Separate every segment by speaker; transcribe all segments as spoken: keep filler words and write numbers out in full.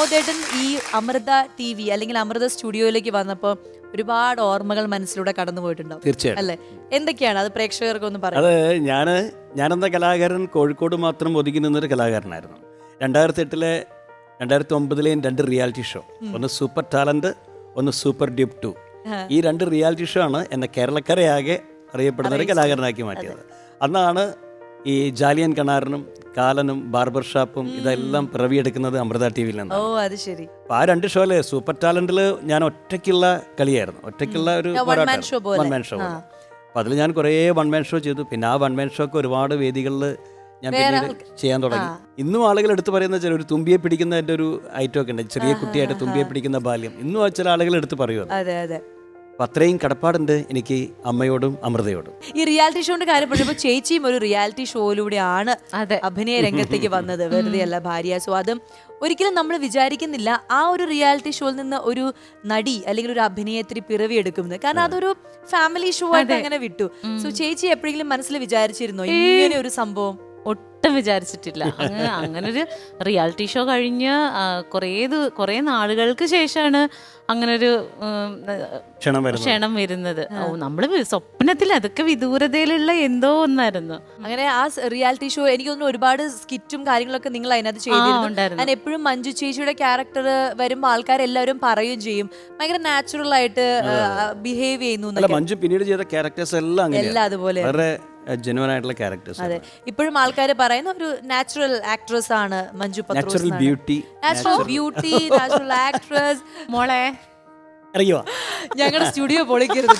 Speaker 1: വിനോദേട്ടൻ ഈ Amrita T V അല്ലെങ്കിൽ അമൃത സ്റ്റുഡിയോയിലേക്ക് വന്നപ്പോൾ ഒരുപാട് ഓർമ്മകൾ മനസ്സിലൂടെ കടന്നു പോയിട്ടുണ്ടാവും.
Speaker 2: തീർച്ചയായും.
Speaker 1: അല്ലെ, എന്തൊക്കെയാണ് അത് പ്രേക്ഷകർക്ക് ഒന്ന് പറയാം?
Speaker 2: അത് ഞാൻ ഞാനെന്ന കലാകാരൻ കോഴിക്കോട് മാത്രം ഒതുങ്ങി നിന്നൊരു കലാകാരനായിരുന്നു. രണ്ടായിരത്തി എട്ടിലെ രണ്ടായിരത്തി ഒമ്പതിലെയും രണ്ട് റിയാലിറ്റി ഷോ, ഒന്ന് സൂപ്പർ ടാലന്റ്, ഒന്ന് സൂപ്പർ ഡ്യൂപ്പ് ടു. ഈ രണ്ട് റിയാലിറ്റി ഷോ ആണ് എന്നെ കേരളക്കരയാകെ അറിയപ്പെടുന്ന ഒരു കലാകാരനാക്കി മാറ്റിയത്. അന്നാണ് ഈ ജാലിയൻ കണാറിനും കാലനും ബാർബർ ഷാപ്പും ഇതെല്ലാം പിറവിയെടുക്കുന്നത് അമൃത ടി വിയിൽ നിന്ന്.
Speaker 1: ഓ അത് ശരി.
Speaker 2: അപ്പൊ ആ രണ്ട് ഷോയില് സൂപ്പർ ടാലന്റിൽ ഞാൻ ഒറ്റയ്ക്കുള്ള കളിയായിരുന്നു, ഒറ്റയ്ക്കുള്ള ഒരു
Speaker 1: വൺ മാൻ ഷോ പോലെ.
Speaker 2: One man show. അപ്പൊ അതിൽ ഞാൻ കുറേ വൺ മാൻ ഷോ ചെയ്തു. പിന്നെ ആ വൺ മാൻ ഷോ ഒക്കെ ഒരുപാട് വേദികളിൽ ഞാൻ പിന്നീട് ചെയ്യാൻ തുടങ്ങി. ഇന്നും ആളുകൾ എടുത്തു പറയുന്ന ചില ഒരു തുമ്പിയെ പിടിക്കുന്നതിന്റെ ഒരു ഐറ്റം ഒക്കെ ഉണ്ട്, ചെറിയ കുട്ടിയായിട്ട് തുമ്പിയെ പിടിക്കുന്ന ബാല്യം. ഇന്നും ആ ചില ആളുകൾ എടുത്ത് പറയുന്നത്.
Speaker 1: അതെ അതെ.
Speaker 2: അപ്പൊ അത്രയും കടപ്പാടുണ്ട് എനിക്ക് അമ്മയോടും അമൃതയോടും.
Speaker 1: ഈ റിയാലിറ്റി ഷോന്റെ കാര്യം പറഞ്ഞപ്പോൾ ചേച്ചിയും ഒരു റിയാലിറ്റി ഷോയിലൂടെയാണ് അഭിനയ രംഗത്തേക്ക് വന്നത്, വെറുതെ അല്ല ഭാര്യ. സോ അതും ഒരിക്കലും നമ്മൾ വിചാരിക്കുന്നില്ല ആ ഒരു റിയാലിറ്റി ഷോയിൽ നിന്ന് ഒരു നടി അല്ലെങ്കിൽ ഒരു അഭിനയത്തിന് പിറവിയെടുക്കുന്നത്. കാരണം അതൊരു ഫാമിലി ഷോ ആയിട്ട് അങ്ങനെ വിട്ടു. സോ ചേച്ചി എപ്പോഴെങ്കിലും മനസ്സിൽ വിചാരിച്ചിരുന്നോ ഇങ്ങനെ ഒരു സംഭവം?
Speaker 3: ഒട്ടും വിചാരിച്ചിട്ടില്ല. അങ്ങനെ അങ്ങനൊരു റിയാലിറ്റി ഷോ കഴിഞ്ഞ് കുറേ കുറേ നാളുകൾക്ക് ശേഷമാണ് അങ്ങനൊരു ക്ഷണം വരുന്നത്. ഓ, നമ്മള് സ്വപ്നത്തിൽ അതൊക്കെ വിദൂരതയിലുള്ള എന്തോ ഒന്നായിരുന്നു.
Speaker 1: അങ്ങനെ ആ റിയാലിറ്റി ഷോ എനിക്ക് തോന്നുന്നു ഒരുപാട് സ്കിറ്റും കാര്യങ്ങളൊക്കെ നിങ്ങൾ അതിനകത്ത് ചെയ്തിരുന്നു. ഞാൻ എപ്പോഴും മഞ്ജു ചേച്ചിയുടെ ക്യാരക്ടർ വരുമ്പോൾ ആൾക്കാരെല്ലാവരും പറയുകയും ചെയ്യും ഭയങ്കര നാച്ചുറൽ ആയിട്ട് ബിഹേവ് ചെയ്യുന്നു.
Speaker 2: മഞ്ജു പിന്നീട് ചെയ്ത ക്യാരക്ടേഴ്സ് എല്ലാം
Speaker 1: എല്ലാം അതുപോലെ
Speaker 2: ജെനുവൻ ആയിട്ടുള്ള ക്യാരക്ടേഴ്സ്.
Speaker 1: അതെ, ഇപ്പോഴും ആൾക്കാർ പറയുന്ന ഒരു നാച്ചുറൽ ആക്ട്രസ് ആണ് Manju Pathrose.
Speaker 2: Natural beauty,
Speaker 1: natural beauty, natural actress.
Speaker 3: മോളെ
Speaker 2: അറിയോ,
Speaker 1: ഞങ്ങളുടെ സ്റ്റുഡിയോ പൊളിക്കരുത്.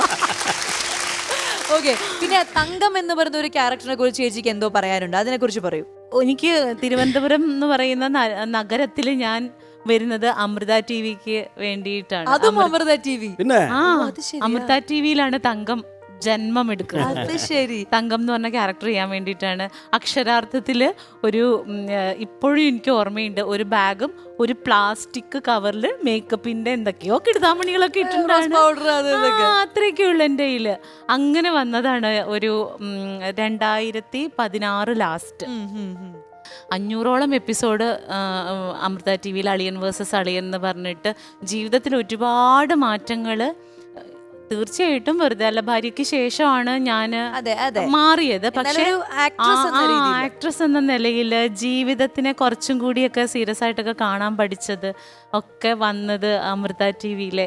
Speaker 1: ഓക്കെ, പിന്നെ തങ്കം എന്ന് പറയുന്ന ഒരു ക്യാരക്ടറിനെ കുറിച്ച് ചേച്ചിക്ക് എന്തോ പറയാനുണ്ട്, അതിനെ കുറിച്ച് പറയൂ.
Speaker 3: എനിക്ക് തിരുവനന്തപുരം എന്ന് പറയുന്ന നഗരത്തിൽ ഞാൻ വരുന്നത് അമൃത ടി വിക്ക് വേണ്ടിയിട്ടാണ്.
Speaker 1: അതും അമൃത ടി വി.
Speaker 2: പിന്നെ
Speaker 3: ആ അമൃത ടി വിയിലാണ് തങ്കം ജന്മം എടുക്കുന്നത്.
Speaker 1: ശരി.
Speaker 3: തങ്കം എന്ന് പറഞ്ഞ ക്യാരക്ടർ ചെയ്യാൻ വേണ്ടിയിട്ടാണ്. അക്ഷരാർത്ഥത്തില് ഒരു ഇപ്പോഴും എനിക്ക് ഓർമ്മയുണ്ട്, ഒരു ബാഗും ഒരു പ്ലാസ്റ്റിക് കവറിൽ മേക്കപ്പിന്റെ എന്തൊക്കെയോ കിടുതാമണികളൊക്കെ ഇട്ടിട്ടുണ്ടാണ്. അത്രയൊക്കെ ഉള്ളു എൻ്റെ കയ്യില്. അങ്ങനെ വന്നതാണ് ഒരു രണ്ടായിരത്തി പതിനാറ് ലാസ്റ്റ്. അഞ്ഞൂറോളം എപ്പിസോഡ് അമൃത ടി വിയിൽ അളിയൻ വേഴ്സസ് അളിയൻ എന്ന് പറഞ്ഞിട്ട് ജീവിതത്തിൽ ഒരുപാട് മാറ്റങ്ങൾ. തീർച്ചയായിട്ടും വെറുതെ അല്ല ഭാര്യയ്ക്ക് ശേഷമാണ് ഞാൻ മാറിയത്. പക്ഷേ ആക്ട്രസ് എന്ന നിലയിൽ ജീവിതത്തിനെ കുറച്ചും കൂടിയൊക്കെ സീരിയസ് ആയിട്ടൊക്കെ കാണാൻ പഠിച്ചത് ഒക്കെ വന്നത് അമൃത ടി വിയിലെ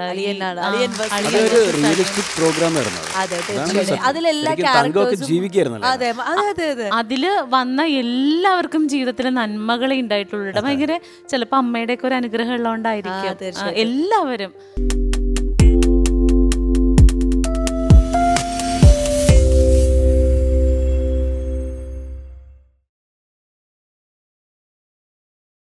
Speaker 3: അതില് വന്ന എല്ലാവർക്കും ജീവിതത്തിൽ നന്മകളെ ഉണ്ടായിട്ടുള്ളൂ. ഭയങ്കര ചിലപ്പോ അമ്മയുടെ ഒക്കെ ഒരു അനുഗ്രഹം ഉള്ളതുകൊണ്ടായിരിക്കും എല്ലാവരും.